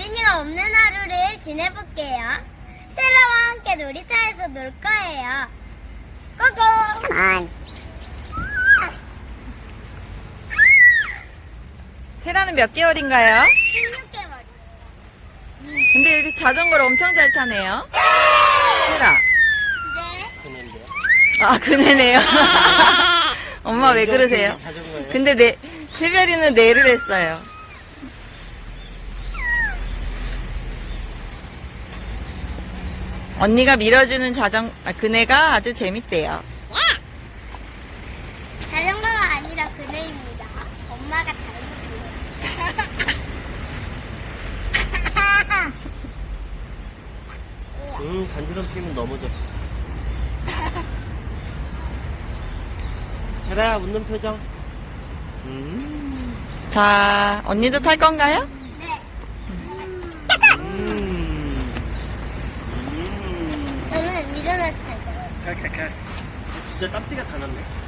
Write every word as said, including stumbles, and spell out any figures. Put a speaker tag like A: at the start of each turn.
A: 어린이가 없는 하루를 지내볼게요. 세라와 함께 놀이터에서 놀 거예요. 고고!
B: 컴온.
C: 세라는 몇 개월인가요?
A: 십육 개월.
C: 근데 여기 자전거를 엄청 잘 타네요. 세라.
A: 네.
D: 그는데요?
C: 아, 그네네요. 엄마 왜 그러세요?
D: 자전거예요?
C: 근데 네, 세별이는 네를 했어요. 언니가 밀어주는 자전, 아, 그네가 아주 재밌대요.
A: 자전거가 아니라 그네입니다. 엄마가 잘못했어요.
D: 음, 간지럼 피면 넘어져. 헤라야, 웃는 표정. 음.
C: 자, 언니도 탈 건가요?
A: 네.
D: 음. 음.
A: 저는 일어나서 탈 거예요.
D: 칼칼칼. 진짜 땀띠가 다 났네.